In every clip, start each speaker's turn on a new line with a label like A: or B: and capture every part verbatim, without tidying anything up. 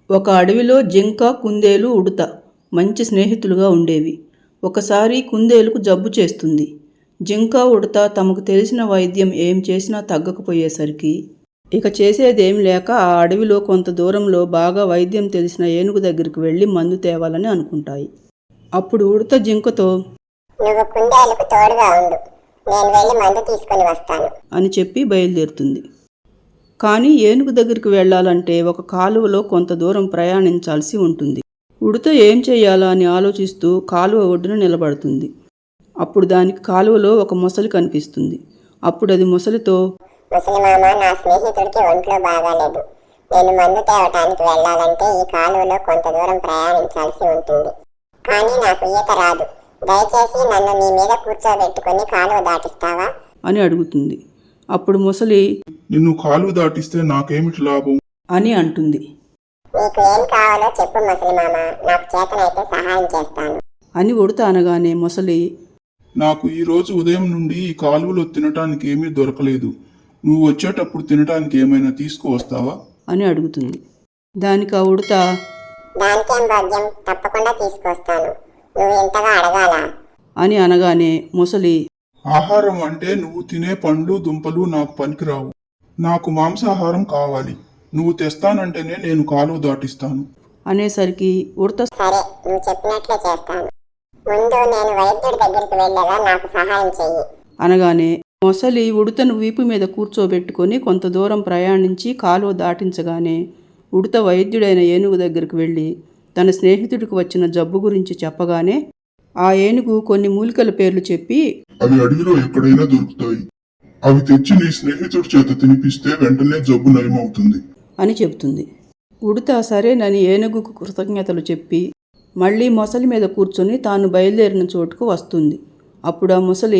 A: ఒక అడవిలో జింక, కుందేలు, ఉడుత మంచి స్నేహితులుగా ఉండేవి. ఒకసారి కుందేలుకు జబ్బు చేస్తుంది. జింక, ఉడుత తమకు తెలిసిన వైద్యం ఏం చేసినా తగ్గకపోయేసరికి ఇక చేసేదేం లేక ఆ అడవిలో కొంత దూరంలో బాగా వైద్యం తెలిసిన ఏనుగు దగ్గరికి వెళ్ళి మందు తేవాలని అనుకుంటాయి. అప్పుడు ఉడుత జింకతో,
B: నువ్వు కుందేలుకు తోడుగా ఉండు, నేను వెళ్ళి మందు తీసుకొని వస్తాను
A: అని చెప్పి బయలుదేరుతుంది. కానీ ఏనుగు దగ్గరికి వెళ్ళాలంటే ఒక కాలువలో కొంత దూరం ప్రయాణించాల్సి ఉంటుంది. ఉడుత ఏం చెయ్యాలా అని ఆలోచిస్తూ కాలువ ఒడ్డున నిలబడుతుంది. అప్పుడు దానికి కాలువలో ఒక మొసలి కనిపిస్తుంది. అప్పుడు అది మొసలితో,
B: ముసలి మామ, నా స్నేహితుడికి ఒంట్లో బాగాలేదు. నేను మందు తేవటానికి వెళ్ళాలంటే ఈ కాలువలో కొంత దూరం ప్రయాణించాల్సి ఉంటుంది. కానీ నాకు ఈత రాదు. దయచేసి నన్ను నీ మీద కూర్చోబెట్టుకుని కాలువ దాటిస్తావా
A: అని అడుగుతుంది. అప్పుడు మొసలి,
C: నిన్ను కాలువ దాటిస్తే నాకేమిటి లాభం
A: అని అంటుంది.
B: నీకు ఏం కావాలో చెప్పు ముసలి మామ, నాకు చేతనైతే సహాయం చేస్తాను
A: అని ఉడుత అనగానే మొసలి,
C: నాకు ఈ రోజు ఉదయం నుండి ఈ కాలువలో తినటానికి ఏమీ దొరకలేదు. నువ్వు వచ్చేటప్పుడు తినటానికి ఏమైనా తీసుకువస్తావా
A: అని అడుగుతుంది. దానికి ఆ ఉడుత,
B: దానికేం భాగ్యం, తప్పకుండా తీసుకొస్తాను. నువ్వు ఇంతగా అడగాలా
A: అని అనగానే మొసలి,
C: ఆహారం అంటే నువ్వు తినే పండ్లు దుంపలు నాకు పనికిరావు. నాకు మాంసాహారం కావాలి. నువ్వు తెస్తానంటేనే నేను కాలువ దాటిస్తాను
A: అనేసరికి ఉడత,
B: సరే, నువ్వు చెప్పినట్లే చేస్తాను. ముందు నేను వైద్యుడి దగ్గరికి వెళ్ళగా నాకు సహాయం చెయ్యి
A: అనగానే మొసలి ఉడతను వీపు మీద కూర్చోబెట్టుకొని కొంత దూరం ప్రయాణించి కాలువ దాటించగానే ఉడత వైద్యుడైన ఏనుగు దగ్గరికి వెళ్ళి తన స్నేహితుడికి వచ్చిన జబ్బు గురించి చెప్పగానే ఆ ఏనుగు కొన్ని మూలికల పేర్లు చెప్పి,
C: అవి అడవిలో ఎక్కడైనా దొరుకుతాయి. అవి తెచ్చి నీ స్నేహితుడి చేత తినిపిస్తే వెంటనే జబ్బు నయమవుతుంది
A: అని చెబుతుంది. ఉడత సరేనని ఏనుగుకు కృతజ్ఞతలు చెప్పి మళ్ళీ మొసలి మీద కూర్చొని తాను బయలుదేరిన చోటుకు వస్తుంది. అప్పుడు ఆ మొసలి,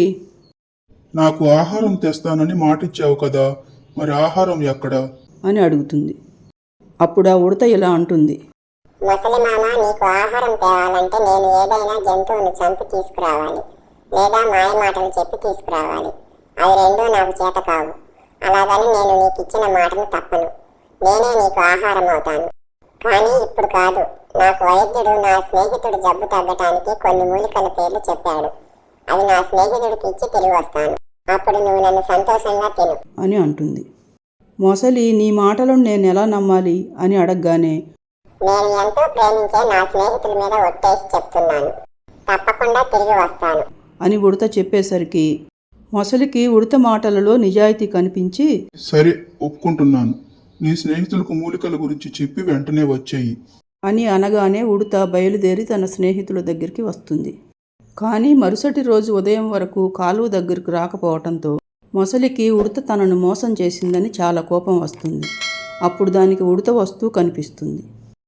C: నాకు ఆహారం తెస్తానని మాటిచ్చావు కదా, మరి ఆహారం ఎక్కడా
A: అని అడుగుతుంది. అప్పుడు ఆ ఉడత ఇలా అంటుంది,
B: ముసలి మామ, నీకు ఆహారం తేవాలంటే నేను ఏదైనా జంతువును చంపి తీసుకురావాలి, లేదా మాయ మాటలు చెప్పి తీసుకురావాలి. అవి రెండూ నాకు చేత కావు. అలాగని నేను నీకు ఇచ్చిన మాటను తప్పను. నేనే నీకు ఆహారం అవుతాను. కానీ ఇప్పుడు కాదు. నాకు వైద్యుడు నా స్నేహితుడు జబ్బు తగ్గటానికి కొన్ని మూలికల పేర్లు చెప్పాడు. అవి నా స్నేహితుడికి ఇచ్చి తిరిగి వస్తాను. అప్పుడు నువ్వు నన్ను సంతోషంగా తిను
A: అని అంటుంది. మొసలి నీ మాటలను నేను ఎలా నమ్మాలి అని అడగగానే,
B: నేను ఎంతో ప్రేమించే నా స్నేహితుల మీద ఒట్టేసి చెప్తున్నాను, తప్పకుండా తిరిగి వస్తాను
A: అని ఉడత చెప్పేసరికి మొసలికి ఉడత మాటలలో నిజాయితీ కనిపించి,
C: సరే, ఒప్పుకుంటున్నాను. నీ స్నేహితులకు మూలికల గురించి చెప్పి వెంటనే వచ్చేయి
A: అని అనగానే ఉడత బయలుదేరి తన స్నేహితుల దగ్గరికి వస్తుంది. కానీ మరుసటి రోజు ఉదయం వరకు కాలువ దగ్గరకు రాకపోవటంతో మొసలికి ఉడత తనను మోసం చేసిందని చాలా కోపం వస్తుంది. అప్పుడు దానికి ఉడత వస్తూ కనిపిస్తుంది.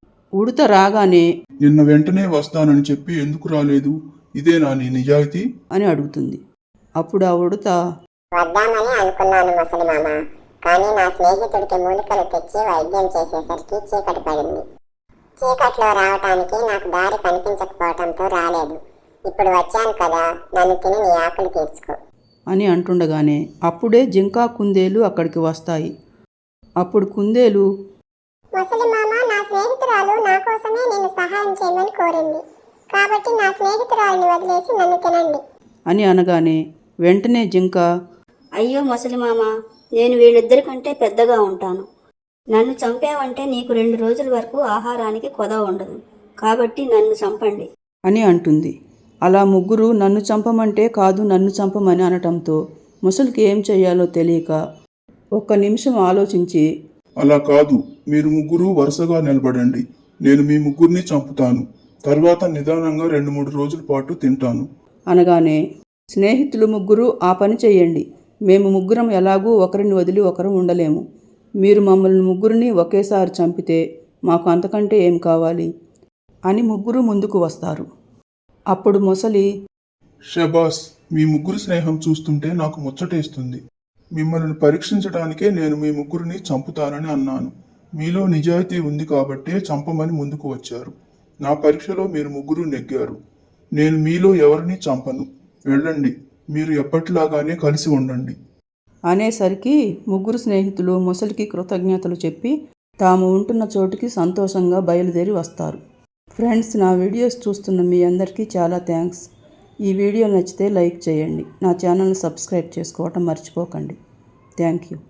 A: ఉడత రాగానే,
C: నిన్న వెంటనే వస్తానని చెప్పి ఎందుకు రాలేదు? ఇదేనా నీ నిజాయితీ
A: అని అడుగుతుంది. అప్పుడు ఆ ఉడత,
B: వద్దామని అనుకున్నాను ముసలి మామ, కానీ నా స్నేహితుడికి మూలికలు తెచ్చి వైద్యం చేసేసరికి చీకటి పడింది. చీకట్లో రావటానికి నాకు దారి కనిపించకపోవటంతో రాలేదు. ఇప్పుడు వచ్చాను కదా, నన్ను తిని నీ ఆకలి తీర్చుకో
A: అని అంటుండగానే అప్పుడే జింక, కుందేలు అక్కడికి వస్తాయి. అప్పుడు కుందేలు,
B: ముసలి మామ, నా స్నేహితురాలు నా కోసమే నేను సహాయం చేయమని కోరింది. కాబట్టి నా స్నేహితురాలిని వదిలేసి నన్ను తినండి
A: అని అనగానే వెంటనే జింక,
D: అయ్యో ముసలి మామ, నేను వీళ్ళిద్దరికంటే పెద్దగా ఉంటాను. నన్ను చంపావంటే నీకు రెండు రోజుల వరకు ఆహారానికి కొదవ ఉండదు. కాబట్టి నన్ను చంపండి
A: అని అంటుంది. అలా ముగ్గురు నన్ను చంపమంటే కాదు నన్ను చంపమని అనటంతో ముసలికి ఏం చెయ్యాలో తెలియక ఒక్క నిమిషం ఆలోచించి,
C: అలా కాదు, మీరు ముగ్గురు వరుసగా నిలబడండి. నేను మీ ముగ్గురిని చంపుతాను. తర్వాత నిదానంగా రెండు మూడు రోజుల పాటు తింటాను
A: అనగానే స్నేహితులు ముగ్గురు, ఆ పని చెయ్యండి. మేము ముగ్గురం ఎలాగూ ఒకరిని వదిలి ఒకరు ఉండలేము. మీరు మమ్మల్ని ముగ్గురిని ఒకేసారి చంపితే మాకు అంతకంటే ఏం కావాలి అని ముగ్గురు ముందుకు వస్తారు. అప్పుడు మొసలి,
C: షబాస్, మీ ముగ్గురు స్నేహం చూస్తుంటే నాకు ముచ్చటేస్తుంది. మిమ్మల్ని పరీక్షించడానికే నేను మీ ముగ్గురిని చంపుతానని అన్నాను. మీలో నిజాయితీ ఉంది కాబట్టే చంపమని ముందుకు వచ్చారు. నా పరీక్షలో మీరు ముగ్గురు నెగ్గారు. నేను మీలో ఎవరిని చంపను. వెళ్ళండి, మీరు ఎప్పటిలాగానే కలిసి ఉండండి
A: అనేసరికి ముగ్గురు స్నేహితులు మొసలికి కృతజ్ఞతలు చెప్పి తాము ఉంటున్న చోటుకి సంతోషంగా బయలుదేరి వస్తారు. ఫ్రెండ్స్, నా వీడియోస్ చూస్తున్న మీ అందరికీ చాలా థ్యాంక్స్. ఈ వీడియో నచ్చితే లైక్ చేయండి. నా ఛానల్ని సబ్స్క్రైబ్ చేసుకోవటం మర్చిపోకండి. Thank you.